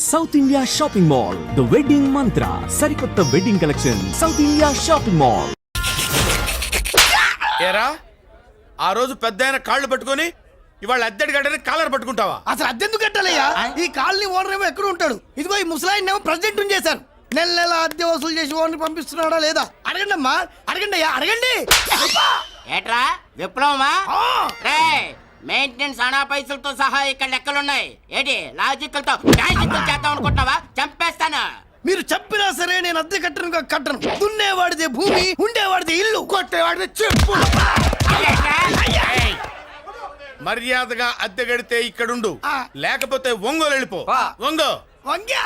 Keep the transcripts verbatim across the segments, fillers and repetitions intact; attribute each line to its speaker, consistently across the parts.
Speaker 1: South India shopping mall, the wedding Mantra, సరికొత్త wedding collection, south India shopping mall.
Speaker 2: ఏరా ఆ రోజు పెద్ద కాళ్ళు పట్టుకొని ఇవాళ అద్దెడి గడ్డని కాలర్ పట్టుకుంటావా?
Speaker 3: అసలు అద్దెందుకు కట్టాలయ్యా? ఈ కాలనీ ఓనర్ ఏమో ఎక్కడ ఉంటాడు, ఇదిగో ఈ ముసలాయిన్ ఏమో ప్రెసిడెంట్ చేశారు. నెల నెల అద్దె వసూలు చేసి ఓనర్ పంపిస్తున్నాడా లేదా అడగండి అమ్మా, అడగండి అయ్యా, అడగండి.
Speaker 4: ఏట్రా విప్లవమా? రే మెయింటెనెన్స్ అనా పైసలతో సహా ఇక్కడ లెక్కలున్నాయి. ఏంటి లాజికల్ తో మ్యాజికల్ చేద్దాం అనుకుంటున్నావా? చంపేస్తాను.
Speaker 3: మీరు చెప్పినా సరే నేను అద్దె కట్టను కట్టను. దున్నేవాడిదే భూమి, ఉండేవాడిదే ఇల్లు, కొట్టేవాడిదే చెప్పు.
Speaker 2: మర్యాదగా అద్దె గడితే ఇక్కడుండు, లేకపోతే ఒంగోలు వెళ్ళిపో. ఒంగో
Speaker 3: వంగ్యా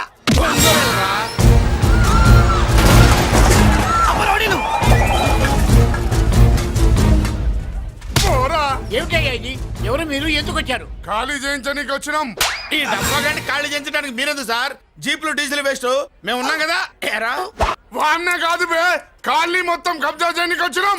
Speaker 5: ఏమిటయ్యా ఇది? ఎవరు మీరు? ఎందుకు వచ్చారు?
Speaker 6: ఖాళీ చేయించడానికి వచ్చినాం.
Speaker 2: ఈ డబ్బా గంట ఖాళీ చేయించడానికి మీరెందు సార్? జీపులు డీజిల్ వేస్ట్, మేము ఉన్నాం కదా. ఏరా
Speaker 6: వాన్నే కాదు బే, ఖాళీ మొత్తం కబ్జా చేయడానికి వచ్చినాం.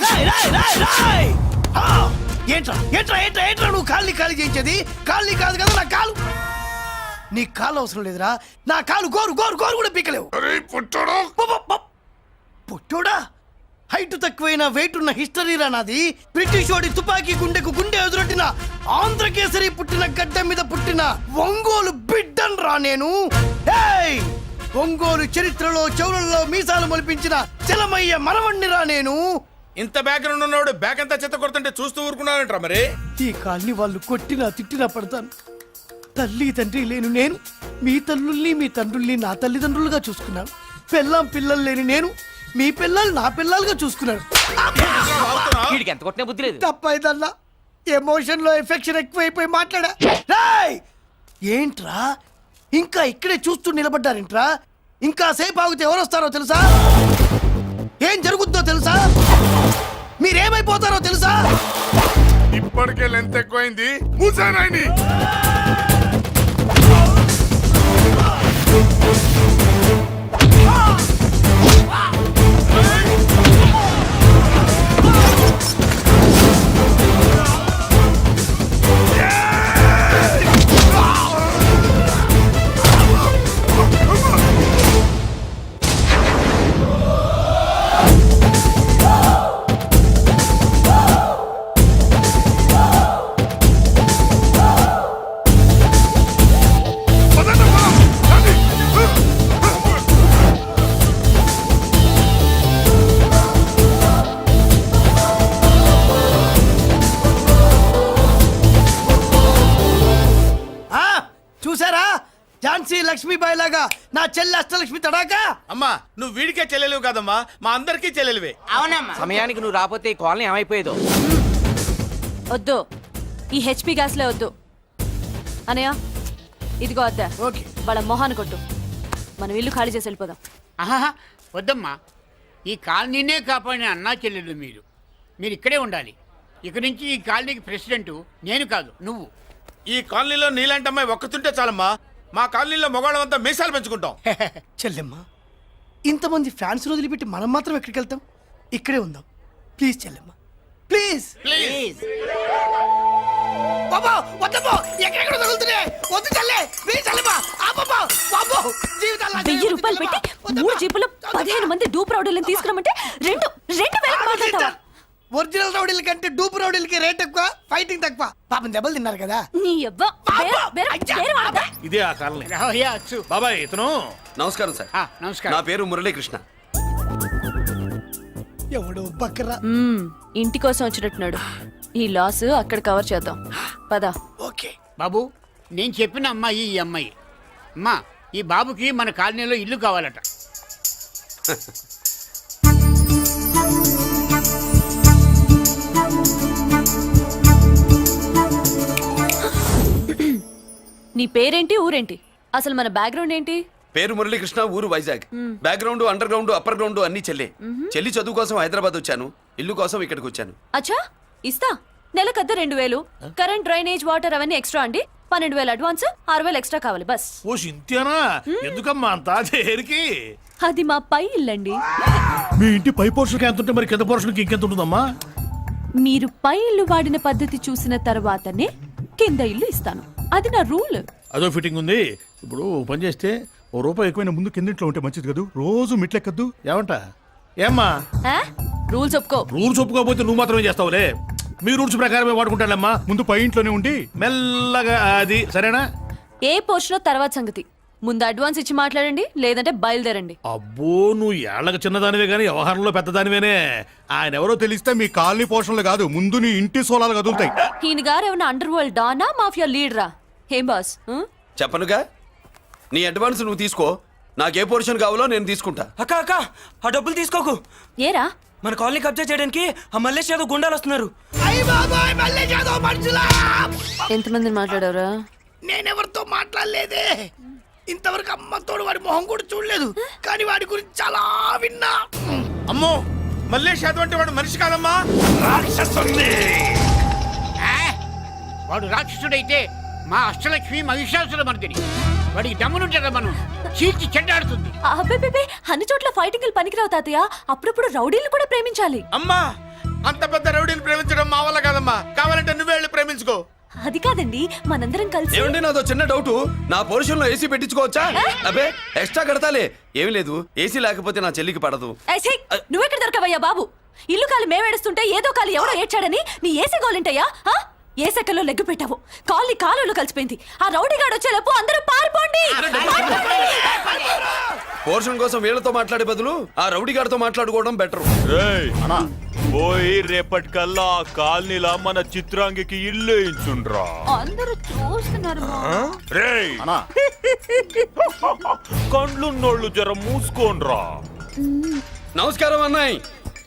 Speaker 3: ఏంట్రా ఏంట్రా ఏంట్రా ఏంట్రా నువ్వు ఖాళీ ఖాళీ చేయించేది? ఖాళీ కాదు కదా నా కాలు. నీ కాలు అవసరం లేదురా, నా కాలు గోరు గోరు గోరు కూడా పీకలేవు.
Speaker 6: పుట్టడు
Speaker 3: పుట్టోడా? హైట్ తక్కువైన వెయిట్ ఉన్న హిస్టరీరా నాది. బ్రిటిష్ వాడి తుపాకీ గుండెకు గుండె ఎదురొట్టిన ఆంధ్రకేసరి పుట్టిన గడ్డ మీద పుట్టిన ఒంగోలు బిడ్డన్ రా నేను. ఏయ్ ఒంగోలు చరిత్రలో చౌరల్లో మీసాలు మొలిపించిన చలమయ్య మనవణ్ణిరా నేను.
Speaker 2: ఇంత బ్యాక్గ్రౌండ్ ఉన్నవాడు బ్యాక్ అంతా చెత్త కొడుతుంటే చూస్తూ ఊరుకున్నారంట. మరి
Speaker 3: ఈ కాల్ని వాళ్ళు కొట్టినా తిట్టినా పడతాను. తల్లి తండ్రి లేను నేను మీ తల్లుల్ని మీ తండ్రుల్ని నా తల్లిదండ్రులుగా చూసుకున్నాను. పిల్లం పిల్లలు లేని నేను మీ పిల్లలు నా పిల్లలుగా చూసుకున్నాను.
Speaker 4: ఎంత కొట్టినా బుద్ధి లేదు.
Speaker 3: తప్పైదల్లా ఎమోషన్ లో ఎఫెక్షన్ ఎక్కువైపోయి మాట్లాడా. రేయ్ ఏంట్రా ఇంకా ఇక్కడే చూస్తూ నిలబడ్డారేంట్రా? ఇంకా సేపు ఆగితే ఎవరు వస్తారో తెలుసా? ఏం జరుగుతుందో తెలుసా? మీరేమైపోతారో తెలుసా?
Speaker 6: ఇప్పటికే లెంత్ ఎక్కువైంది. మూసానాయని
Speaker 3: ఝాన్సీ లక్ష్మీబాయి లాగా నా చెల్లి అష్టలక్ష్మి తడాకా.
Speaker 2: అమ్మా నువ్వు వీడికే చెల్లెలివి కాదమ్మా, మా అందరికీ చెల్లెలివే.
Speaker 4: అవునమ్మా. సమయానికి నువ్వు రాకపోతే ఈ కాలనీ ఏమైపోయేదో.
Speaker 7: వద్దు, ఈ హెచ్పి గ్యాస్లే వద్దు. అనయ్య ఇదిగో అద్దా,
Speaker 3: ఓకే
Speaker 7: వాళ్ళ మొహాన్ని కొట్టు. మనం ఇల్లు ఖాళీ చేసి వెళ్ళిపోదాం.
Speaker 5: ఆహా వద్దమ్మా, ఈ కాలనీనే కాపాడిన అన్నా చెల్లెలు మీరు. మీరు ఇక్కడే ఉండాలి. ఇక నుంచి ఈ కాలనీకి ప్రెసిడెంట్ నేను కాదు, నువ్వు.
Speaker 2: ఈ కాలనీలో నీలాంటి అమ్మాయి ఒక్కతుంటే చాలమ్మా. మా కాలనీలో మగవాళ్ళంతా మీసాలు పెంచుకుంటాం.
Speaker 3: చెల్లెమ్మ ఇంతమంది ఫ్యాన్స్ వదిలిపెట్టి మనం మాత్రం ఎక్కడికి వెళ్తాం? ఇక్కడే ఉందాం ప్లీజ్ చెల్లెమ్మ, ప్లీజ్
Speaker 4: ప్లీజ్.
Speaker 3: బాబా వద్దమ్మా, ఎక్కడెక్కడ తగులుతున్నాయి. వద్దు చెల్లె, ప్లీజ్ చెల్లెమ్మ. అబ్బబ్బా బాబో జీవితాల్లో
Speaker 7: వెయ్యి రూపాయలు పెట్టి మూడు జీపులు పదిహేను మంది డూప్ రౌడీలను తీసుకురమంటే రెండు రెండు వేలకు మాట్లాడతావా?
Speaker 3: ఒరిజినల్ రౌడీల కంటే డూప్ రౌడీలకి రేట్ ఎక్కువ, ఫైటింగ్ తక్కువ. పాపం దెబ్బలు తిన్నారు కదా.
Speaker 7: నీ అవ్వ వేరే- వేరే- వేరే వాడతా?
Speaker 2: ఇదే ఆ కాలనీ.
Speaker 5: రావయ్యా అచ్చు.
Speaker 2: బాబాయ్ ఇతను.
Speaker 8: నమస్కారం సార్.
Speaker 5: ఆ, నమస్కారం.
Speaker 8: నా పేరు మురళీకృష్ణ.
Speaker 3: ఎవడో బక్కరా.
Speaker 7: మ్మ్, ఇంటి కోసం వచ్చినట్టున్నాడు. ఈ లాస్ అక్కడ కవర్ చేద్దాం పద.
Speaker 3: ఓకే
Speaker 5: బాబు నేను చెప్పిన అమ్మాయి ఈ అమ్మాయి. అమ్మా ఈ బాబుకి మన కాలనీలో ఇల్లు కావాలట.
Speaker 7: నీ పేరేంటి, ఊరేంటి, అసలు మన బ్యాక్గ్రౌండ్ ఏంటి?
Speaker 8: పేరు మురళీకృష్ణ, ఊరు Vizag. Background under ground upper ground అన్ని చెల్లి. చెల్లి చదువు కోసం హైదరాబాద్ వచ్చాను, ఇల్లు కోసం ఇక్కడికి వచ్చాను.
Speaker 7: అచ్చా ఇస్తా. నెలకద్ద రెండు వేలు, కరెంట్ డ్రైనేజ్ వాటర్ అవన్నీ ఎక్స్ట్రా అండి. పన్నెండు వేలు అడ్వాన్స్, ఆరు వేలు ఎక్స్ట్రా కావాలి బస్.
Speaker 2: ఓ సింత్యానా, ఎందుకమ్మా అంతా చేరికి?
Speaker 7: అది మా పై ఇల్లండి.
Speaker 2: మీ ఇంటి పై పోర్షన్కి ఎంత ఉంటే మరి కింద పోర్షన్కి ఇంకెంత ఉంటుందమ్మా?
Speaker 7: మీరు పై ఇల్లు వాడిన పద్ధతి చూసిన తర్వాతనే కింద ఇల్లు ఇస్తాను. అది నా రూల్.
Speaker 2: అదో ఫిట్టింగ్ ఉంది. ఇప్పుడు పని చేస్తే
Speaker 9: ఓ రూపాయి ఎక్కువైనా ముందు కిందింట్లో ఉంటే మంచిది కదూ రోజు మిట్లెక్కద్దు
Speaker 3: ఏమంట ఏమ్మా
Speaker 7: ఆ? రూల్స్ ఒప్పుకో.
Speaker 9: రూల్స్ ఒప్పుకోకపోతే నువ్వు మాత్రమే చేస్తావులే. మీ రూల్స్ ప్రకారమే వాడుకుంటానమ్మా. ముందు పై ఇంట్లోనే ఉండి మెల్లగా అది సరేనా?
Speaker 7: ఏ పోర్షన్ తర్వాత సంగతి. ముందు అడ్వాన్స్ ఇచ్చి మాట్లాడండి, లేదంటే బయలుదేరండి.
Speaker 9: అబ్బో నువ్వు ఏళ్ళకి చిన్నదానివే గానీ వ్యవహారంలో పెద్దదానివేనే. ఆయన ఎవరో తెలిస్తే మీ కాలనీ పోషణలు కాదు, ముందు నీ ఇంటి సోలాలు కదులుతాయి.
Speaker 7: ఈయన గారు ఏమైనా అండర్ వరల్డ్ డానా మాఫియా లీడరా? ఏం బాస్? ఆ?
Speaker 8: చెప్పనుగా, నీ అడ్వాన్స్ నువ్వు తీసుకో. నాకు ఏ పోర్షన్ కావాలో నేను తీసుకుంటా.
Speaker 10: అక్క అక్క ఆ డబ్బులు తీసుకోకు.
Speaker 7: ఏరా?
Speaker 10: మన కాలనీ కబ్జా చేయడానికి ఆ మల్లేష్ యాదవ్ గుండాలు వస్తున్నారు.
Speaker 3: అయ్య బాబాయ్ మళ్ళీ చదువు మనుషులా!
Speaker 7: ఎంతమంది మాట్లాడారా?
Speaker 3: నేనెవరితో మాట్లాడలేదే. ఇంతవరకు అమ్మతోడు వాడి మొహం కూడా చూడలేదు, కానీ వాడి గురించి చాలా విన్నా.
Speaker 2: అమ్మో మల్లేష్ యాదవ్ అంటే వాడు మనిషి కాదమ్మా.
Speaker 5: ఆ? వాడు రాక్షసుడైతే మా అష్టలక్ష్మి మహిషాసుల మర్దిని. వాడికి దమ్మునుంటారా మనం చీల్చి చెడ్డాడుతుంది.
Speaker 7: అబ్బే, అన్ని చోట్ల ఫైటింగ్ పనికిరావు తాతయ్య. అప్పుడప్పుడు రౌడీలు కూడా ప్రేమించాలి.
Speaker 2: అమ్మా అంత పెద్ద రౌడీని ప్రేమించడం మా వల్ల కాదమ్మా. కావాలంటే నువ్వే వెళ్ళి ప్రేమించుకో.
Speaker 7: అది కాదండి, మనందరం కలిసి.
Speaker 8: ఏమండి నాదో చిన్న డౌట్. నా పోర్షన్ లో ఏసీ పెట్టించుకోవచ్చా? అబ్బే ఎక్స్ట్రా కడతాలే. ఏమి లేదు, ఏసీ లేకపోతే నా చెల్లికి పడదు.
Speaker 7: ఏయ్, ఛీ! నువ్వెక్కడ దొరకవయ్యా బాబు? ఇల్లు కాలు మేమేడుస్తుంటే ఏదో కాలు ఎవడో ఏడ్చాడని నీ ఏసీ గోలింటయ్యా? ఏ సెకల్లో లెగ్గు పెట్టావు, కాలి కాలులో కలిసిపోయింది. ఆ రౌడీ గాడు వచ్చేలోపు అందరూ పారిపోండి.
Speaker 8: పోర్షన్ కోసం వీళ్ళతో మాట్లాడే బదులు ఆ రౌడీ గారితో మాట్లాడుకోవడం బెటర్.
Speaker 11: పోయి రేపటికల్లా ఆ కాలనీలా మన చిత్రాంగికి ఇల్లు ఇచ్చుండ్రా.
Speaker 7: అందరూ చూస్తున్నారు.
Speaker 11: రేయ్ కండ్లున్నోళ్ళు జర మూసుకోండ్రా.
Speaker 8: నమస్కారం అన్నాయ్.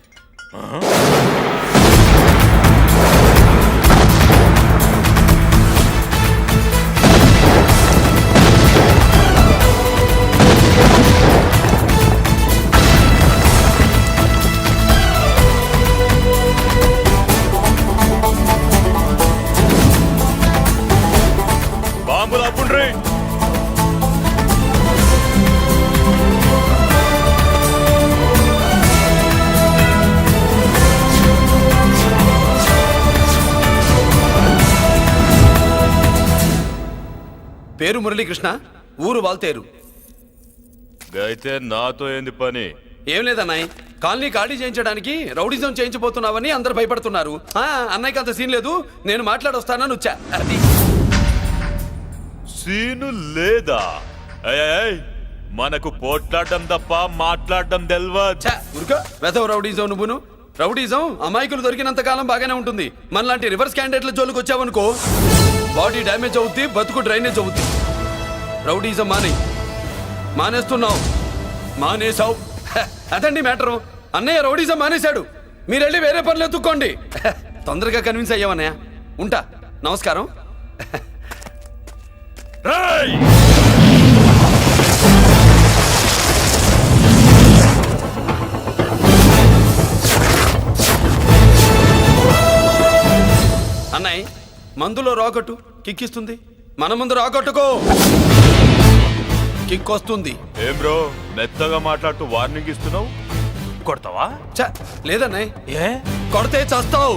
Speaker 11: బాంబులు అప్పుండ్రీ.
Speaker 8: పేరు మురళీకృష్ణ, ఊరు వాల్తేరు.
Speaker 11: అయితే నాతో ఏంది పని?
Speaker 8: ఏం లేదన్నాయ్, కాలనీ ఖాళీ చేయించడానికి రౌడిజం చేయించబోతున్నావని అందరు భయపడుతున్నారు. ఆ, అన్నయ్యకి అంత సీన్ లేదు, నేను మాట్లాడొస్తానని వచ్చా. అది
Speaker 11: సీను లేదా? ఏయ్, ఏయ్, మనకు పోట్లాడడం తప్ప మాట్లాడడం తెల్వా.
Speaker 8: ఉరుకో వెధవ రౌడీజం. నువ్వును రౌడీజం అమాయకులు దొరికినంత కాలం బాగానే ఉంటుంది. మనలాంటి రివర్స్ క్యాండిడేట్ల జోలికి వచ్చావనుకో బాడీ డ్యామేజ్ అవుద్ది, బతుకు డ్రైనేజ్ అవుద్ది. రౌడీజం మానే మానేస్తున్నావు మానేసావు. అదండి మ్యాటరు. అన్నయ్య రౌడీజం మానేశాడు, మీరెళ్ళి వేరే పనులు ఎత్తుక్కోండి. తొందరగా కన్విన్స్ అయ్యావన్నయ్య. ఉంటా, నమస్కారం. అన్నయ్య మందులో రాకట్టు కిక్కిస్తుంది, మన ముందు రాకట్టుకో కిక్ వస్తుంది.
Speaker 11: ఏం బ్రో మెత్తగా మాట్లాడుతూ వార్నింగ్ ఇస్తున్నావు? కొడతావా?
Speaker 8: చ లేదన్నయ్య,
Speaker 11: ఏ
Speaker 8: కొడితే చస్తావు.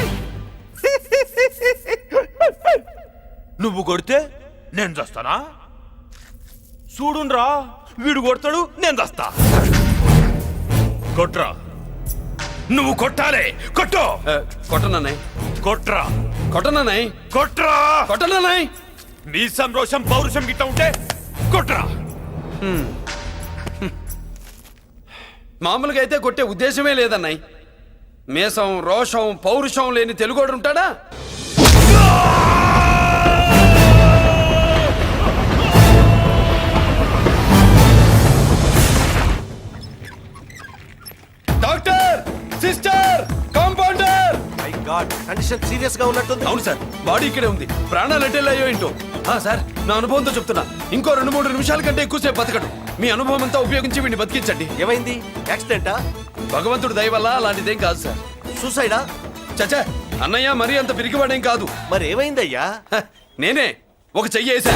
Speaker 11: నువ్వు కొడితే నేను చస్తానా? చూడుండ్రా, వీడు కొడతాడు, నేను చస్తా. కొట్రా, నువ్వు కొట్టాలే. కొట్టు.
Speaker 8: కొట్టనన్నయ్య,
Speaker 11: కొట్రా.
Speaker 8: కొట్టనన్నయ్య,
Speaker 11: కొట్రా.
Speaker 8: కొట్టనన్నయ్య.
Speaker 11: నీ సంరోషం పౌరుషం గిట్ట ఉంటే కొట్రా.
Speaker 8: మామూలుగా అయితే కొట్టే ఉద్దేశమే లేదన్నయ్య. మేషం రోషం పౌరుషం లేని తెలుగోడు ఉంటాడా? Doctor, sister, compounder.
Speaker 10: My God, condition serious గా ఉన్నట్టుంది.
Speaker 8: అవును సార్, బాడీ ఇక్కడే ఉంది. ప్రాణాలు ఎట్టెళ్ళాయో ఏంటో. ఆ, సార్ నా అనుభవంతో చెప్తున్నా, ఇంకో రెండు మూడు నిమిషాల కంటే ఎక్కువసేపు బతకడు. మీ అనుభవం అంతా ఉపయోగించి వీడిని బతికించండి.
Speaker 10: ఏమైంది? యాక్సిడెంటా?
Speaker 8: భగవంతుడు దయ వల్ల అలాంటిదేం కాదు సార్.
Speaker 10: సూసైడా?
Speaker 8: చచ్చా, అన్నయ్య మరీ అంత పిరికివాడేం కాదు.
Speaker 10: మరి ఏమైందయ్యా?
Speaker 8: హ, నేనే ఒక చెయ్యి వేసా.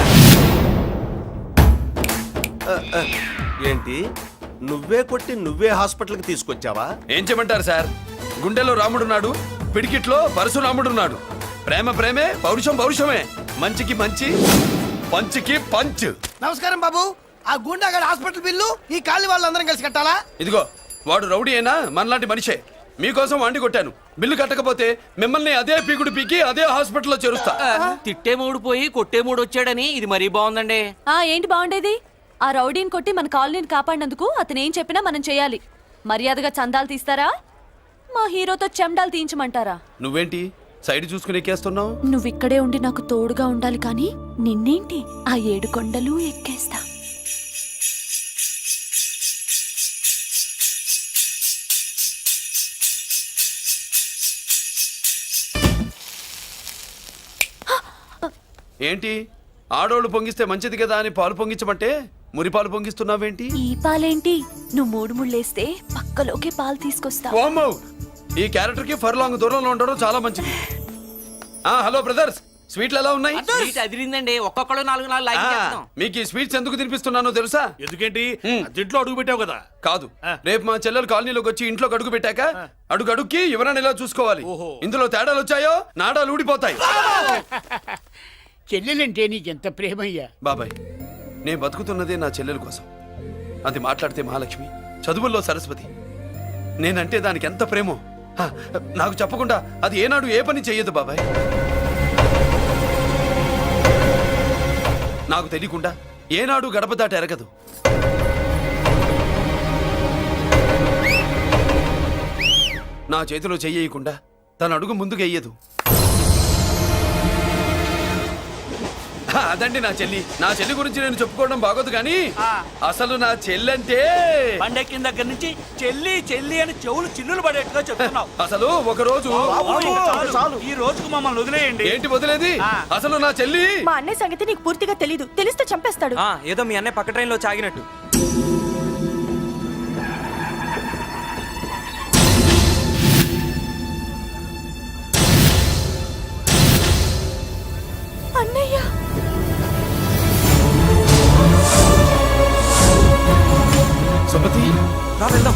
Speaker 10: ఏంటి, నువ్వే కొట్టి నువ్వే హాస్పిటల్కి తీసుకొచ్చావా?
Speaker 8: ఏం చేయమంటారు సార్, గుండెలో రాముడున్నాడు, పిడికిట్లో పరశురాముడున్నాడు. ప్రేమ ప్రేమే, పౌరుషం పౌరుషమే. మంచికి మంచి, పంచికి పంచ్.
Speaker 3: నమస్కారం బాబు. ఆ గుండాగడ్ హాస్పిటల్ బిల్లు ఈ కాలి వాళ్ళందరం కలిసి కట్టాలా?
Speaker 8: ఇదిగో వాడు రౌడీ అయినా మనలాంటి మనిషే. మీకోసం వండి కొట్టాను. బిల్లు కట్టకపోతే మిమ్మల్ని అదే పీకుడు పీకి అదే హాస్పిటల్లో చేరుస్తా.
Speaker 12: తిట్టే మూడు పోయి కొట్టే మూడు వచ్చాడని ఇది మరీ బాగుందండి.
Speaker 7: ఆ ఏంటి బాగుండేది? ఆ రౌడీని కొట్టి మన కాలనీని కాపాడినందుకు అతను ఏం చెప్పినా మనం చేయాలి. మర్యాదగా చందాలు తీస్తారా, మా హీరోతో చెండాలు తీయించమంటారా?
Speaker 8: నువ్వేంటి సైడ్ చూసుకుని ఎక్కేస్తున్నావు?
Speaker 7: నువ్విక్కడే ఉండి నాకు తోడుగా ఉండాలి కానీ నిన్నేంటి ఆ ఏడు కొండలు ఎక్కేస్తా.
Speaker 8: ఏంటి ఆడోళ్ళు పొంగిస్తే మంచిది కదా అని పాలు పొంగించమంటే మురి పాలు పొంగిస్తున్నావేంటి?
Speaker 7: ఈ పాలేంటి? నువ్వు మూడు ముళ్ళేస్తే పక్కలోకి పాలు తీసుకొస్తా.
Speaker 8: ఓమ్మో, ఈ క్యారెక్టర్ కి ఫర్ లాంగ్ దూరంలో ఉండడం చాలా మంచిది. ఆ హలో బ్రదర్స్, స్వీట్లు ఎలా ఉన్నాయి?
Speaker 12: సీట్ అదిరిందండి. ఒక్కొక్కడు నాలుగు నాలుగు లైక్ చేస్తాం.
Speaker 8: మీకు ఈ స్వీట్స్ ఎందుకు తినిపిస్తున్నానో తెలుసా?
Speaker 9: ఎందుకేంటి
Speaker 8: హ్మ్.
Speaker 9: ఇంట్లో అడుగు పెట్టావు కదా.
Speaker 8: కాదు, రేపు మా చెల్లెలు కాలనీలోకి వచ్చి ఇంట్లో అడుగు పెట్టాక అడుగు అడుక్కి ఎవరైనా ఇలా చూసుకోవాలి.
Speaker 9: ఓహో.
Speaker 8: ఇందులో తేడాలు వచ్చాయో నాడాలు ఊడిపోతాయి.
Speaker 5: చెల్లెలంటే నీకెంత ప్రేమయ్యా.
Speaker 8: బాబాయ్, నేను బతుకుతున్నదే నా చెల్లెల కోసం. అది మాట్లాడితే మహాలక్ష్మి, చదువుల్లో సరస్వతి. నేనంటే దానికి ఎంత ప్రేమో హ, నాకు చెప్పకుండా అది ఏనాడు ఏ పని చెయ్యదు బాబాయ్. నాకు తెలియకుండా ఏనాడు గడప దాట ఎరగదు. నా చేతిలో చెయ్యకుండా తన అడుగు ముందుకు వెయ్యదు. అదండి నా చెల్లి. నా చెల్లి గురించి నేను చెప్పుకోవడం బాగోదు కానీ అసలు నా చెల్లంటే
Speaker 12: పండెక్కిన దగ్గర నుంచి చెల్లి చెల్లి అని చెవులు చిల్లులు పడేట్టుగా చెప్తున్నావు.
Speaker 8: అసలు ఒక రోజు
Speaker 12: ఈ రోజుకు మమ్మల్ని వదిలేయండి.
Speaker 8: ఏంటి వదిలేది? అసలు నా చెల్లి
Speaker 7: మా అన్నయ్య సంగతి నీకు పూర్తిగా తెలీదు. తెలిస్తే చంపేస్తాడు.
Speaker 12: ఏదో మీ అన్నయ్య పక్క ట్రైన్ లో చాగినట్టు.
Speaker 7: అన్నయ్య
Speaker 8: సుమతి,
Speaker 12: రా వెళ్దాం.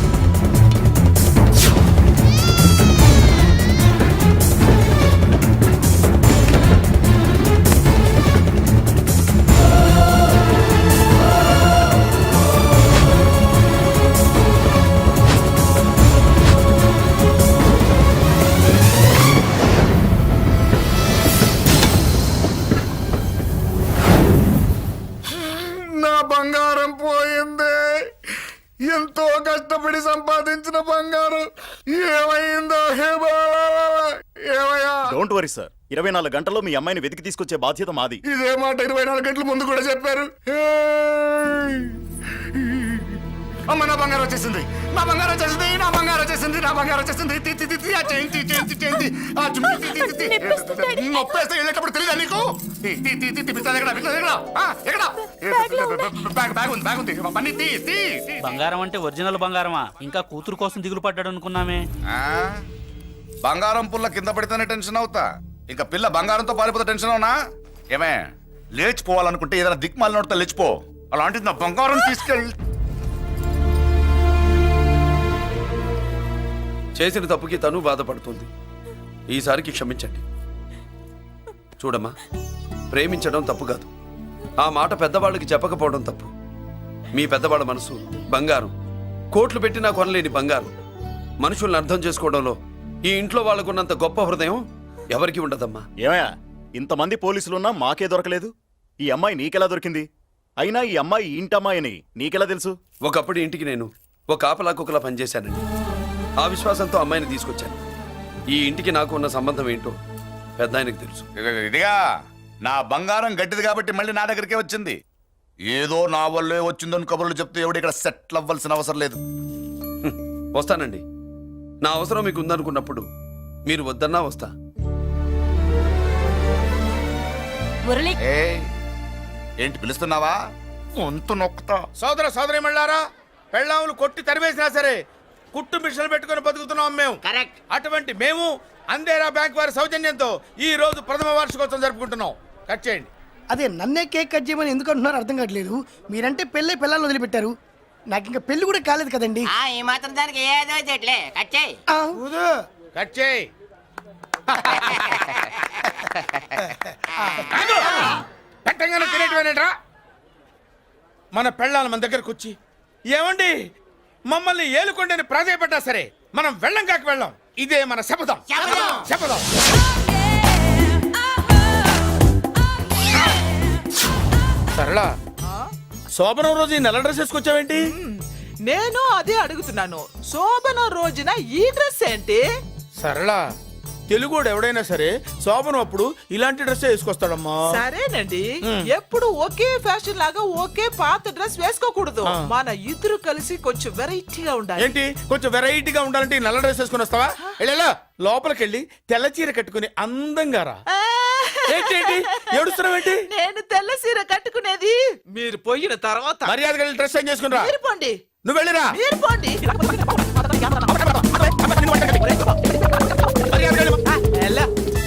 Speaker 6: నా బంగారం పోయింది. ఎంతో కష్టపడి సంపాదించిన బంగారం ఏమైందో హే బాబా, ఏమయ్యా?
Speaker 13: డోంట్ వరీ సార్, ఇరవై నాలుగు గంటల్లో మీ అమ్మాయిని వెతికి తీసుకొచ్చే బాధ్యత మాది.
Speaker 6: ఇదే మాట ఇరవై నాలుగు గంటల ముందు కూడా చెప్పారు. ఏయ్! అమ్మ, నా బంగారం వచ్చేసింది, నా బంగారం వచ్చేసింది, నా బంగారం వచ్చేసింది, నా బంగారం వచ్చేసింది. తి, తి, తి, తి, ఆ చేయి, తి, చేయి, తి, చేయి, తి, ఆ చుమ్మి, తి, తి, తి, తి. నొప్పేస్తే వెళ్ళేటప్పుడు తెలియదా నీకు? తి, తి, తి, తి, తి, పిస్తాది ఎక్కడ, పిస్తాది ఎక్కడ? ఆ, ఎక్కడ? బ్యాగ్, బ్యాగ్ ఉంది, బ్యాగ్ ఉంది. పని తీ, తీ, తీ.
Speaker 12: బంగారం అంటే ఒరిజినల్ బంగారమా? ఇంకా కూతురు కోసం దిగులు పడ్డాడు అనుకున్నామే.
Speaker 6: ఆ? బంగారం పుల్ల కింద పడితేనే టెన్షన్ అవుతా, ఇంకా పిల్ల బంగారంతో పారిపోతే టెన్షన్ అవునా? ఏమే, లేచిపోవాలనుకుంటే ఏదైనా దిక్మాల నోడితే లేచిపో. అలాంటిది నా బంగారం తీసుకెళ్ళి.
Speaker 8: చేసిన తప్పుకి తను బాధపడుతుంది. ఈసారికి క్షమించండి. చూడమ్మా, ప్రేమించడం తప్పు కాదు. ఆ మాట పెద్దవాళ్ళకి చెప్పకపోవడం తప్పు. మీ పెద్దవాళ్ళ మనసు బంగారం, కోట్లు పెట్టినా కొనలేని బంగారం. మనుషుల్ని అర్థం చేసుకోవడంలో ఈ ఇంట్లో వాళ్ళకున్నంత గొప్ప హృదయం ఎవరికి ఉండదమ్మా.
Speaker 13: ఏమయ్యా, ఇంతమంది పోలీసులున్నా మాకే దొరకలేదు. ఈ అమ్మాయి నీకెలా దొరికింది? అయినా ఈ అమ్మాయి ఈ ఇంటమ్మాయి అని నీకెలా తెలుసు?
Speaker 8: ఒకప్పుడు ఇంటికి నేను ఒక ఆపలా కుక్కలా పనిచేశానండి. ఆ విశ్వాసంతో అమ్మాయిని తీసుకొచ్చాను. ఈ ఇంటికి నాకు ఉన్న సంబంధం ఏంటో పెద్ద ఆయనకు తెలుసు.
Speaker 6: ఇదిగా నా బంగారం గట్టిది కాబట్టి మళ్ళీ నా దగ్గరికే వచ్చింది. ఏదో నా వల్లే వచ్చిందని కబుర్లు చెప్తే ఎవడు ఇక్కడ సెటిల్ అవ్వాల్సిన అవసరం లేదు.
Speaker 8: హ్మ్, వస్తానండి. నా అవసరం మీకు ఉందనుకున్నప్పుడు మీరు వద్దన్నా వస్తా.
Speaker 7: మురళి,
Speaker 6: ఏయ్, ఏంటి పిలుస్తున్నావా? వంతు నొక్కుతా.
Speaker 2: సోదర సోదరి మళ్ళారా, పెళ్ళాములు కొట్టి తరివేసినా సరే కుట్టు మిషన్లు పెట్టుకుని బతుకుతున్నాం మేము.
Speaker 4: కరెక్ట్.
Speaker 2: అటువంటి మేము అందేరా బ్యాంక్ వారి సౌజన్యంతో ఈ రోజు ప్రథమ వార్షికోత్సవం జరుపుకుంటున్నాం. కట్ చేయండి.
Speaker 3: అదే నన్నే కేక్ కట్ చేయమని ఎందుకు అంటున్నారో అర్థం కావట్లేదు. మీరంటే పెళ్ళే పిల్లల్ని వదిలిపెట్టారు, నాకు ఇంకా పెళ్లి కూడా కాలేదు కదండి.
Speaker 4: ఆ ఈ మాత్రం దానికి ఏదో చెట్లే కట్ చేయి.
Speaker 3: ఆ,
Speaker 2: కట్ చేయి. పెట్టంగానే తినేటివేనేట్రా? మన పెళ్ళాల మన దగ్గరకు వచ్చి ఏమండి మమ్మల్ని ఏలుకొండని ప్రాధాయపడ్డా సరే మనం వెళ్ళం కాక వెళ్ళాం. ఇదే మన శపథం. శపథం. సరళ, శోభనం రోజు ఈ నల్ల డ్రెస్ వేసుకొచ్చావేంటి?
Speaker 12: నేను అదే అడుగుతున్నాను. శోభన రోజున ఈ డ్రెస్ ఏంటి?
Speaker 2: సరళ, తెలుగుడు ఎవడైనా సరే శోభనం అప్పుడు ఇలాంటి డ్రెస్ వేసుకొస్తాడమ్మా.
Speaker 12: సరేనండి, ఎప్పుడు ఒకే ఫ్యాషన్ లాగా ఒకే పాత డ్రెస్ వేసుకోకూడదు. మన ఇద్దరు కలిసి కొంచెం వెరైటీగా ఉండాలి.
Speaker 2: ఏంటి కొంచెం వెరైటీగా ఉండాలంటే ఈ నల్ల డ్రెస్ వేసుకుని వస్తావా? వెళ్ళా లోపలికి వెళ్ళి తెల్ల చీర కట్టుకుని అందంగా రా. ఏంటి ఏంటి ఏడుస్తున్నావేంటి?
Speaker 12: నేను తెల్ల సీర కట్టుకునేది మీరు పోయిన తర్వాత.
Speaker 2: మర్యాదగా వెళ్ళి డ్రెస్ చేంజ్ చేసుకుని రా.
Speaker 12: మీరు పోండి.
Speaker 2: నువ్వు వెళ్ళిరా.
Speaker 12: మీరు పోండి.
Speaker 2: మర్యాదగా వెళ్ళి.
Speaker 12: ఎలా?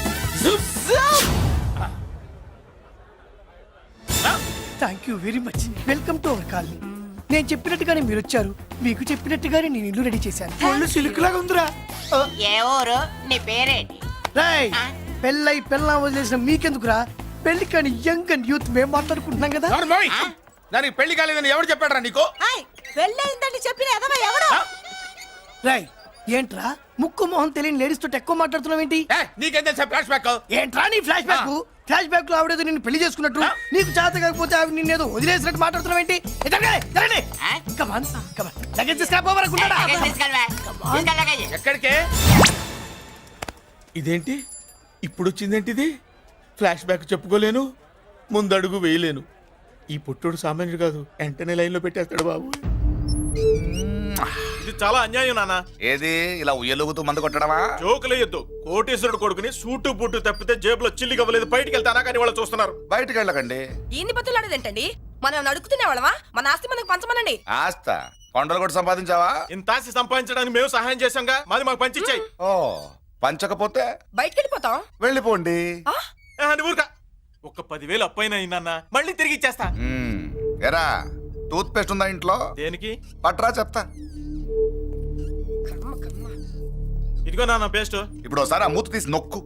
Speaker 3: Thank you very much. Welcome to our colony. నేను చెప్పినట్టుగానే మీరు వచ్చారు, మీకు చెప్పినట్టుగానే నేను ఇల్లు రెడీ చేశాను. ఒళ్ళు సిల్క్ లాగా ఉందిరా.
Speaker 4: ఏ ఊరు? నీ పేరేంటి?
Speaker 3: రాయ్, పెళ్ళై పెళ్ళా వదిలేసిన మీకెందుకురా? పెళ్లి కాని యంగ్ అండ్ యూత్ మేము మాట్లాడుకుంటున్నాం కదా.
Speaker 2: నార్మల్. దానికి పెళ్లి కాలేదని ఎవరు చెప్పాడరా నీకు?
Speaker 12: పెళ్ళయిందని చెప్పిన ఎదవ ఎవడు?
Speaker 3: రాయ్, ఏంట్రా ముక్కు మొహం తెలియని లేడీస్ తోటి ఎక్కువ మాట్లాడుతున్నావు ఏంటి?
Speaker 2: నీకేం తెలుసా ఫ్లాష్ బ్యాక్?
Speaker 3: ఏంట్రా నీ ఫ్లాష్ బ్యాక్? ఫ్లాష్ బ్యాక్ లో ఆవిడేదో నిన్ను పెళ్లి చేసుకున్నట్టు, నీకు చేత కాకపోతే ఆవిడ నిన్నేదో వదిలేసినట్టు మాట్లాడుతున్నావు ఏంటి? కమాన్ కమాన్, లగేజ్ తీసుకురాపోవరకుంటాడా?
Speaker 2: ఎక్కడికే? ఇదేంటి ఇప్పుడు వచ్చిందేంటి? ఇది ఫ్లాష్ బ్యాక్ చెప్పుకోలేను, ముందడుగు వేయలేను. ఈ పుట్టుడు సామాన్యుడు కాదు, వెంటనే లైన్ లో పెట్టేస్తాడు బాబు.
Speaker 6: ఇది చాలా అన్యాయం నాన్న.
Speaker 13: ఏది ఇలా ఉయ్యలుగుతూ మందు కొట్టడమా?
Speaker 6: జోకులేయొద్దు. కోటేశ్వరుడు కొడుకుని సూటు బూటు తప్పితే జేబులో చిల్లి కవ్వలేదు, బయటికి వెళ్తానా కానీ వాళ్ళు చూస్తున్నారు.
Speaker 13: బయటికి వెళ్ళకండి.
Speaker 7: ఈయన్ని బతులాడేదేంటండి? మనం అడుగుతున్న వాళ్ళమా? మన ఆస్తి మనకు పంచమనండి.
Speaker 13: ఆస్త కొండలు కూడా సంపాదించావా?
Speaker 6: ఇంత ఆస్తి సంపాదించడానికి మేము సహాయం చేశాంగా, మాది మాకు పంచిచ్చాయి.
Speaker 13: ఓ, పంచకపోతే
Speaker 7: బయటికి వెళ్ళిపోతాం.
Speaker 13: వెళ్ళిపోండి.
Speaker 6: ఊరుక. ఒక్క పదివేలు అప్పైన నాన్న, మళ్ళీ తిరిగి ఇచ్చేస్తా.
Speaker 13: మ్మ్. ఎరా, టూత్ పేస్ట్ ఉందా ఇంట్లో?
Speaker 6: దేనికి?
Speaker 13: పట్రా చెప్తా.
Speaker 6: ఇదిగో నాన్న పేస్ట్.
Speaker 13: ఇప్పుడు ఒకసారి ఆ మూత తీసి నొక్కు.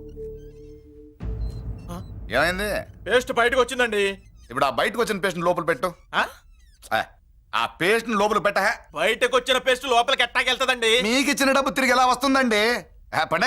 Speaker 13: ఏమైంది?
Speaker 6: పేస్ట్ బయటకు వచ్చిందండి.
Speaker 13: ఇప్పుడు ఆ బయటకు వచ్చిన పేస్ట్ లోపల పెట్టు. ఆ, ఆ పేస్ట్ లోపల పెట్ట.
Speaker 6: బయటకు వచ్చిన పేస్ట్ లోపలికి ఎట్టాకెళ్తదండి?
Speaker 13: మీకు ఇచ్చిన డబ్బు తిరిగి ఎలా వస్తుందండి? ఆ, పనే.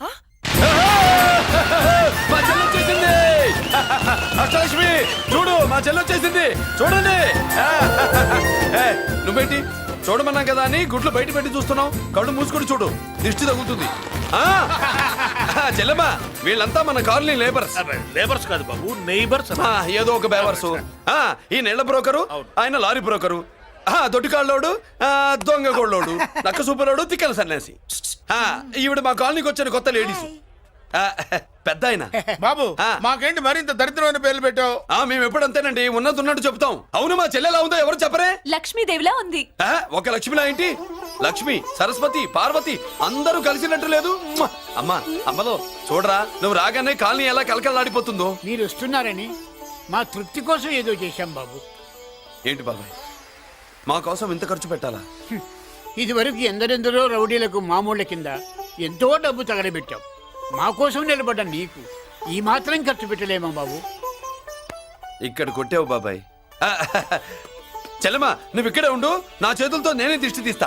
Speaker 8: మా చెల్లి వచ్చేసింది. అష్టలక్ష్మి చూడు, మా చెల్లి వచ్చేసింది చూడండి. ఏ, నువ్వేంటి చూడమన్నాం కదా అని గుడ్లు బయట పెట్టి చూస్తున్నావు? కళ్ళు మూసుకొని చూడు, దిష్టి తగులుతుంది. ఆ, చెల్లెమ్మా, వీళ్ళంతా మన కాలనీ లేబర్స్.
Speaker 9: లేబర్స్ కాదు బాబు, నైబర్స్.
Speaker 8: ఆ, ఏదో ఒక బేవర్సు. ఆ, ఈ నెళ్ల బ్రోకరు, ఆయన లారీ బ్రోకరు, ఆ, దొడ్డికాళ్ళోడు, ఆ, దొంగ గోళ్ళోడు, నక్క సూపరోడు, తిక్కల సన్యాసి. ఆ, ఈవిడ మా కాలనీకి వచ్చిన కొత్త లేడీస్. ఆ, పెద్ద ఆయన.
Speaker 2: బాబు మాకేంటి మరింత దరిద్రమైన పేర్లు పెట్టావు?
Speaker 8: ఆ, మేము ఎప్పుడంతేనండి, ఉన్నది ఉన్నట్టు చెప్తాం. అవును, మా చెల్లెలా ఉందో ఎవరు చెప్పరే?
Speaker 7: లక్ష్మీదేవిలా ఉంది.
Speaker 8: ఆ, ఒక లక్ష్మిలా ఏంటి? లక్ష్మి, సరస్వతి, పార్వతి అందరూ కలిసినట్టు లేదు. మ్మ! అమ్మా, అమ్మలో చూడరా, నువ్వు రాగానే కాలనీ ఎలా కలకలాడిపోతుందో.
Speaker 5: మీరు వస్తున్నారని మా తృప్తి కోసం ఏదో చేశాం బాబు.
Speaker 8: ఏంటి బాబాయ్, మా కోసం ఇంత ఖర్చు పెట్టాలా?
Speaker 5: ఇదివరకు ఎందరెందరో రౌడీలకు మామూళ్ళ కింద ఎంతో డబ్బు తగలబెట్టాం. మా కోసం నిలబడ్డ నీకు ఈ మాత్రం ఖర్చు పెట్టలేమా బాబు?
Speaker 8: ఇక్కడ కొట్టావు బాబాయ్. ఆ, చెల్లెమ్మా, నువ్వు ఇక్కడే ఉండు, నా చేతులతో నేనే దిష్టి తీస్తా.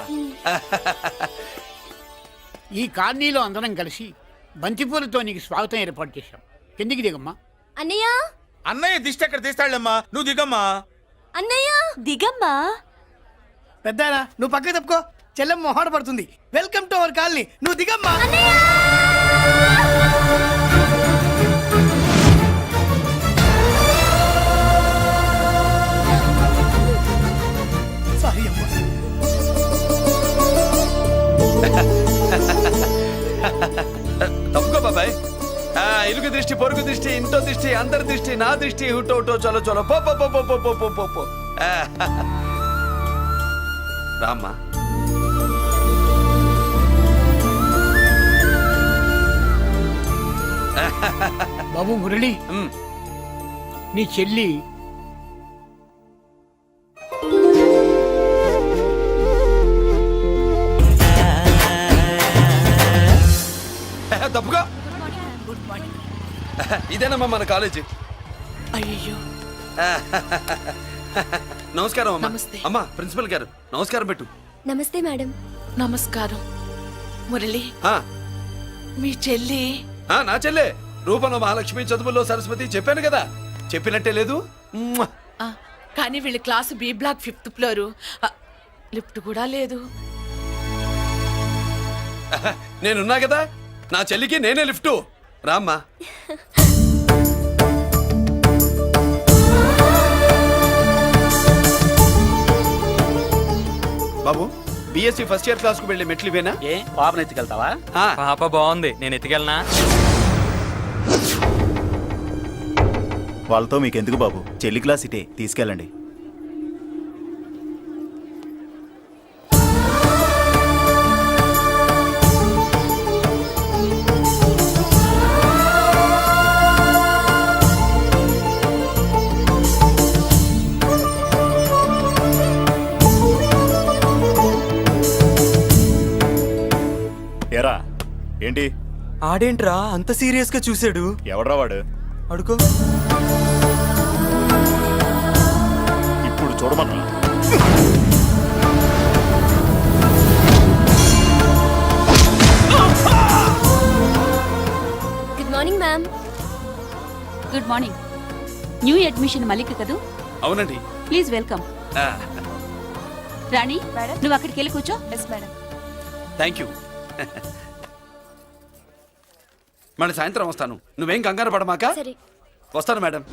Speaker 5: ఈ కాలనీలో అందరం కలిసి బంతిపూలతో నీకు స్వాగతం ఏర్పాటు చేశాం. కిందికి దిగమ్మా.
Speaker 7: అన్నయ్య,
Speaker 2: అన్నయ్య దిష్టి ఎక్కడ తీస్తాడమ్మా, నువ్వు దిగమ్మా.
Speaker 7: అన్నయ్య దిగమ్మా.
Speaker 3: పెద్దాయనా, నువ్వు పక్కకి తప్పుకో, చెల్లెం మొహాట పడుతుంది. వెల్కమ్ టు అవర్ కాలనీ, నువ్వు దిగమ్మా. సారీ అమ్మా.
Speaker 8: తప్పుకో బాబాయ్. ఆ, ఇరుగు దృష్టి, పొరుగు దృష్టి, ఇంటో దృష్టి, అందరి దృష్టి, నా దృష్టి, హుటో హుటో చలో చలో పో పో పో పో పో పో పో పో. ఆ, రామ్మా.
Speaker 5: బాబు మురళి,
Speaker 8: ఉమ్.
Speaker 5: నీ చెల్లి
Speaker 8: తప్పుగా. ఇదేనమ్మా మన కాలేజీ.
Speaker 7: అయ్యో
Speaker 8: నమస్కారం అమ్మా.
Speaker 12: నమస్తే.
Speaker 8: అమ్మా ప్రిన్సిపల్ గారు నమస్కారం పెట్టు.
Speaker 7: నమస్తే మేడం.
Speaker 12: నమస్కారం. మురళి,
Speaker 8: ఆ,
Speaker 12: మీ చెల్లి
Speaker 8: ఆ, నా చెల్లె రూపంలో మహాలక్ష్మి, చదువుల్లో సరస్వతి చెప్పాను కదా, చెప్పినట్టే లేదు. మ్మ్.
Speaker 12: ఆ, కానీ వీళ్ళ class B block fifth floor ఆ, లిఫ్ట్ కూడా లేదు.
Speaker 8: నేనున్నా కదా, నా చెల్లికి నేనే లిఫ్ట్. రామ్మా. బాబు బిఎస్సి ఫస్ట్ ఇయర్ క్లాస్ కు వెళ్ళి మెట్లు ఇవేనా?
Speaker 14: ఏ పాపను ఎత్తుకెళ్తావా?
Speaker 8: ఆ.
Speaker 14: పాప బాగుంది, నేను ఎత్తుకెళ్ళనా?
Speaker 13: వాళ్ళతో మీకెందుకు బాబు, చెల్లి క్లాస్ ఇటే, తీసుకెళ్ళండి. ఏరా ఏంటి?
Speaker 14: ఆడేంట్రా అంత సీరియస్ గా చూసాడు?
Speaker 13: ఎవడ్రా వాడు?
Speaker 14: అడుకో.
Speaker 13: ఇప్పుడు చూడమన్నా.
Speaker 7: Good morning ma'am. Good morning. New admission Mallika కదూ?
Speaker 8: అవునండి.
Speaker 7: Please welcome.
Speaker 8: ఆ,
Speaker 7: రాణి, నువ్వు అక్కడికి వెళ్ళి కూర్చో. Yes madam.
Speaker 8: Thank you. మళ్ళీ సాయంత్రం వస్తాను, నువ్వేం కంగారు పడమాక.
Speaker 7: సరే.
Speaker 8: వస్తాను మేడం.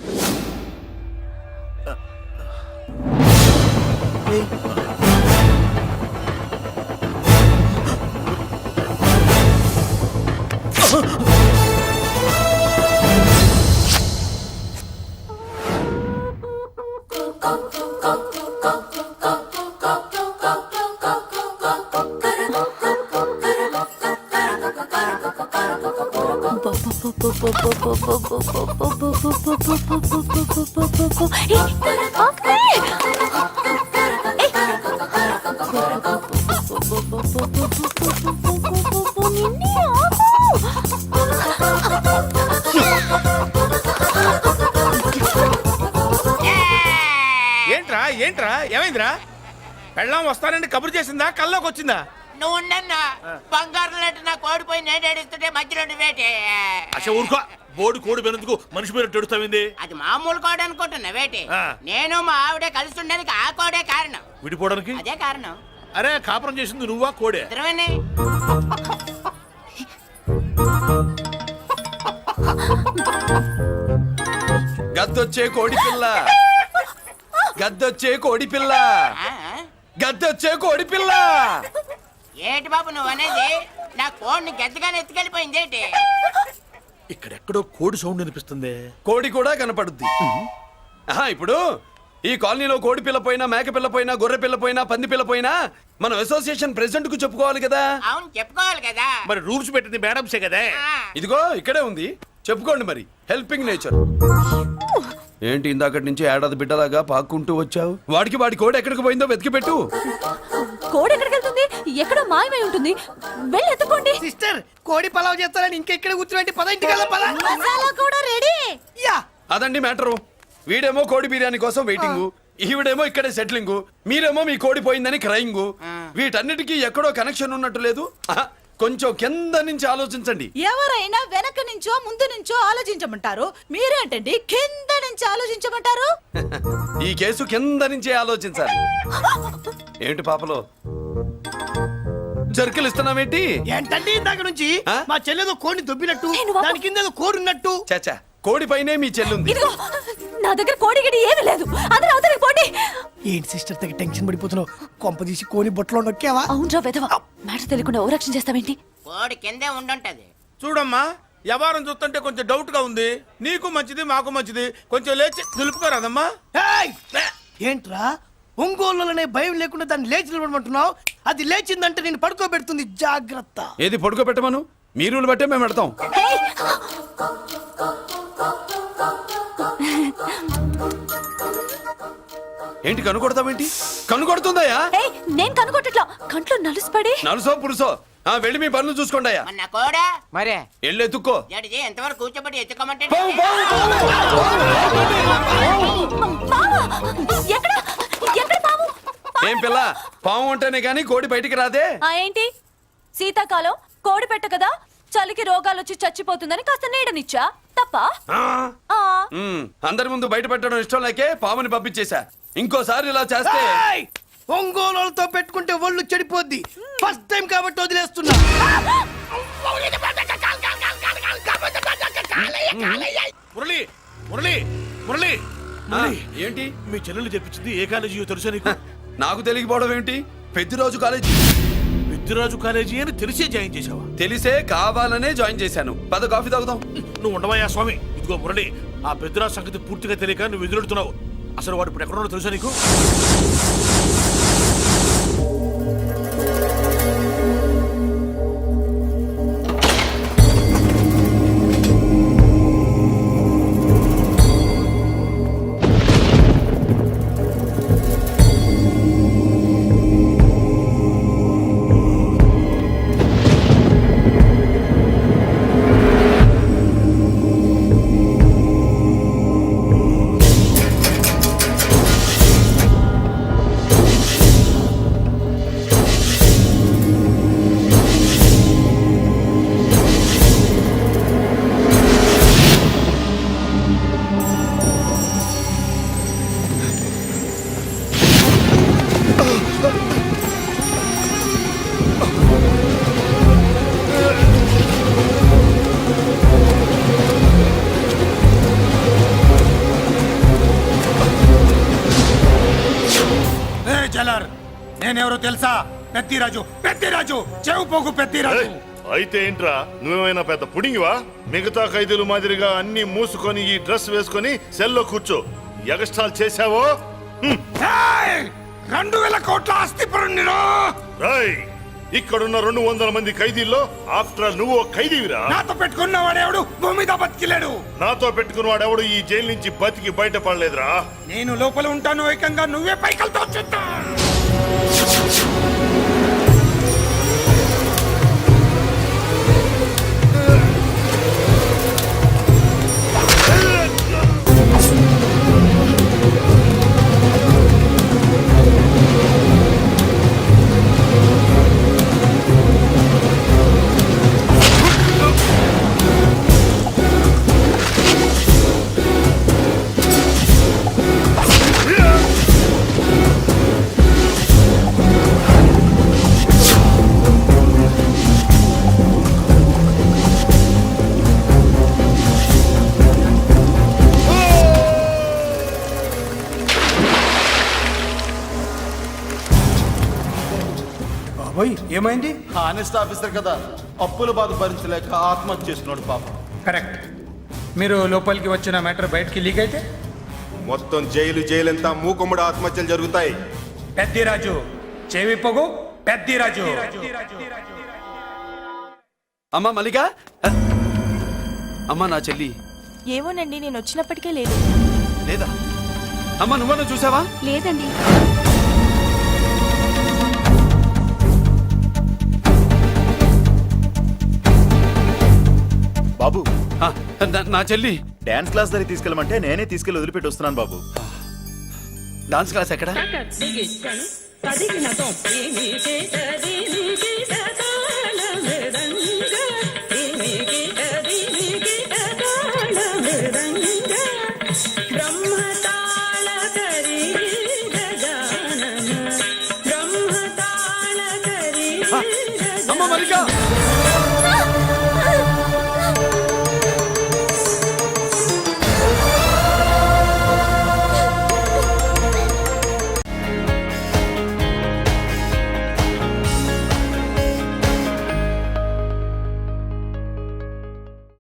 Speaker 2: ఏంట్రా ఏంట్రా ఏమైందిరా? పెళ్ళాం వస్తానండి కబురు చేసిందా, కల్లోకి వచ్చిందా?
Speaker 4: నువ్వు ఉండన్నా బంగారం లాంటి నాకు ఓడిపోయి నేను ఏడుస్తుంటే మధ్యలో నువ్వేటే.
Speaker 9: అసలు ఊరుకో, బోర్డు కోడి పెనందుకు మనిషి మీద తెడుస్తావింది.
Speaker 4: అది మామూలు కోడ అనుకుంటున్నా వేటి.
Speaker 9: ఆ.
Speaker 4: నేను మా ఆవిడే కలిసి ఉండడానికి ఆ కోడే కారణం.
Speaker 9: విడిపోవడానికి?
Speaker 4: అదే కారణం.
Speaker 9: అరే కాపురం చేసింది నువ్వా కోడే?
Speaker 4: ఇద్దరమేనే.
Speaker 8: గద్దొచ్చే కోడి పిల్ల, గద్దొచ్చే కోడి పిల్ల,
Speaker 4: ఆ?
Speaker 8: గద్దొచ్చే కోడి పిల్ల.
Speaker 4: ఏటి బాబు నువ్వు అనేది? నా కోడిని గెద్దగానే ఎత్తుకెళ్ళిపోయింది ఏంటి?
Speaker 9: ఇక్కడెక్కడో కోడి సౌండ్ అనిపిస్తుంది.
Speaker 8: కోడి కూడా కనపడుద్ది. ఆహా, ఇప్పుడు ఈ కాలనీలో కోడి పిల్ల పోయినా, మేక పిల్ల పోయినా, గొర్రె పిల్ల పోయినా, పంది పిల్ల పోయినా మనం అసోసియేషన్ ప్రెసిడెంట్ కు చెప్పుకోవాలి కదా.
Speaker 4: అవును చెప్పుకోవాలి కదా.
Speaker 9: మరి రూల్స్ పెట్టింది మేడంసే కదా.
Speaker 4: ఆ.
Speaker 8: ఇదిగో ఇక్కడే ఉంది, చెప్పుకోండి మరి. Helping nature. ఏంటి ఇందాకటి నుంచి ఏడాది బిడ్డలాగా పాక్కుంటూ వచ్చావు? వాడికి వాడి కోడి ఎక్కడికి పోయిందో వెతికి పెట్టు.
Speaker 7: కోడి ఎక్కడికి వెళ్తుంది? ఎక్కడో మాయమై ఉంటుంది. వెళ్ళి ఎత్తుకోండి.
Speaker 3: సిస్టర్, కోడి పలావ్ చేస్తారని ఇంకెక్కడ కూర్చోండి. పద ఇంటికి వెళ్దాం, పద.
Speaker 7: మసాలా కూడా రెడీ.
Speaker 3: యా.
Speaker 8: అదండి మ్యాటరు. వీడేమో కోడి బిర్యానీ కోసం వెయిటింగ్, ఈవిడేమో ఇక్కడే సెటిలింగ్, మీరేమో మీ కోడి పోయిందని క్రయింగ్. వీటన్నిటికీ ఎక్కడో కనెక్షన్ ఉన్నట్టు లేదు. ఆహా, కొంచెం కింద నుంచి ఆలోచించండి.
Speaker 12: ఎవరైనా వెనక నుంచో ముందు నుంచో ఆలోచించమంటారు, మీరేంటండి కింద నుంచి ఆలోచించమంటారు?
Speaker 8: ఈ కేసు కింద నుంచే ఆలోచించాలి. ఏంటి పాపలో జర్కలు ఇస్తున్నావేంటి?
Speaker 3: ఏంటండి ఇందాక నుంచి
Speaker 8: ఆ?
Speaker 3: మా చెల్లెదో కోడిని దొబ్బినట్టు,
Speaker 7: ఏ, నువ్వు ఆపు.
Speaker 3: దాని కింద ఏదో కోడి ఉన్నట్టు.
Speaker 8: చాచా, కోడి పైనే మీ చెల్లుంది.
Speaker 7: ఇదిగో నా దగ్గర కోడి గిడి ఏమీ లేదు. అందరూ అవతలికి పోండి.
Speaker 3: ఏంటి సిస్టర్ తగ్గ టెన్షన్ పడిపోతున్నావు? కొంప తీసి కోని బొట్టలో నొక్కావా?
Speaker 7: అవునరా వెధవ, మ్యాటర్ తెలియకుండా ఓ రక్షణ చేస్తావేంటి?
Speaker 4: కోడి కిందే ఉండుంటది.
Speaker 2: చూడమ్మా, వ్యవహారం చూస్తుంటే కొంచెం డౌట్ గా ఉంది. నీకు మంచిది, మాకు మంచిది. కొంచెం లేచి నిలుపుకోరాదమ్మా.
Speaker 3: ఏయ్! ఏంట్రా ఒంగోలులోనే భయం లేకుండా దాన్ని లేచి నిలబడమంటున్నావు? అది లేచిందంటే నేను పడుకోబెడుతుంది, జాగ్రత్త.
Speaker 8: ఏది పడుకోబెట్టమను, మీరు బట్టే మేము పెడతాం. ఏంటి కనుకొడతావేంటి? కనుకొడుతుందయ్యా?
Speaker 7: ఏయ్, నేను కనుగొట్టట్లా, కంట్లో నలుసుపడి.
Speaker 8: నలుసో పురుసో, ఆ వెళ్ళి మీ పనులు చూసుకోండి అయ్యా.
Speaker 4: మన కోడా
Speaker 14: మరే
Speaker 8: వెళ్ళి ఎత్తుక్కో.
Speaker 4: జడిజి ఎంతవరకు కూర్చోబెట్టి ఎత్తుకోమంటే
Speaker 8: పావు, పావు, పావు.
Speaker 7: మావా, ఎక్కడ
Speaker 8: ఏం పిల్ల పాము ఉంటేనే గాని కోడి బయటికి రాదే.
Speaker 7: ఆ ఏంటి శీతాకాలం కోడి పెట్ట కదా, చలికి రోగాలు వచ్చి చచ్చిపోతుందని కాస్త నీడనిచ్చా తప్ప. ఆ,
Speaker 8: ఉమ్, అందరి ముందు బయట పెట్టడం ఇష్టం లేకే పాముని పంపించేశా. ఇంకోసారి ఇలా చేస్తే
Speaker 3: ఏయ్! ఒంగోలులతో పెట్టుకుంటే ఒళ్ళు చెడిపోద్ది. ఫస్ట్ టైం కాబట్టి వదిలేస్తున్నా.
Speaker 9: మురళి మురళి మురళి
Speaker 8: ఆ, ఏంటి
Speaker 9: మీ చెల్లెలు చెప్పించింది ఏ కాలేజీ తెలుసా నీకు?
Speaker 8: నాకు తెలియకపోవడం ఏంటి? పెద్దిరాజు కాలేజీ.
Speaker 9: పెద్దిరాజు కాలేజీ అని తెలిసే జాయిన్ చేసావా?
Speaker 8: తెలిసే కావాలనే జాయిన్ చేశాను. పద కాఫీ తాగుదాం.
Speaker 9: నువ్వు ఉండవయ్యా స్వామి. ఇదిగో మురళి, ఆ పెద్దిరాజు సంగతి పూర్తిగా తెలియక నువ్వు ఎదురెడుతున్నావు. అసలు వాడు ఇప్పుడు ఎక్కడున్నాడో తెలుసా నీకు?
Speaker 6: నేనెవరో తెలుసా? పెద్దిరాజు పెద్దిరాజు చెవు పోగు పెద్దిరాజు.
Speaker 11: అయితే ఏంట్రా, నువ్వేమైనా పెద్ద పుడింగివా? మిగతా ఖైదీలు మాదిరిగా అన్ని మూసుకొని ఈ డ్రెస్ వేసుకొని సెల్లో కూర్చో. ఎగస్ట్రాల్ చేశావో
Speaker 6: రెండు వేల కోట్ల ఆస్తి పరుణ్ణిరో.
Speaker 11: రాయ్, ఇక్కడున్న రెండు వందల మంది ఖైదీల్లో ఆఫ్టర్ ఆల్ నువ్వు ఖైదీవిరా.
Speaker 6: నాతో పెట్టుకున్న వాడెవడు భూమి మీద బతికిలేడు.
Speaker 11: నాతో పెట్టుకున్న వాడెవడు ఈ జైలు నుంచి బతికి బయటపడలేదురా.
Speaker 6: నేను లోపల ఉంటాను, ఏకంగా నువ్వే పైకలతో చూస్తా.
Speaker 3: ఏమైంది?
Speaker 6: హానెస్ట్ ఆఫీసర్ కదా, అప్పుల బాధ భరించలేక ఆత్మహత్య చేస్తున్నాడు పాపం.
Speaker 3: కరెక్ట్. మీరు లోపలికి వచ్చిన మ్యాటర్ బయటికి లీక్ అయితే
Speaker 6: మొత్తం జైలు జైలంతా మూకుమ్మడి ఆత్మహత్యలు జరుగుతాయి.
Speaker 3: పెద్దిరాజు చెవి పొగు పెద్దిరాజు.
Speaker 8: అమ్మా మల్లిక, అమ్మా నా చెల్లి
Speaker 7: ఏమోనండి, నేను వచ్చినప్పటికే లేదు.
Speaker 8: లేదా? అమ్మా నువ్వన్నా చూసావా?
Speaker 7: లేదండి.
Speaker 13: బాబు,
Speaker 8: ఆ, నా- నా చెల్లి
Speaker 13: డాన్స్ క్లాస్ దగ్గర తీసుకెళ్ళమంటే నేనే తీసుకెళ్ళి వదిలిపెట్టి వస్తున్నాను బాబు.
Speaker 8: డాన్స్ క్లాస్ ఎక్కడ? అమ్మ మల్లిక,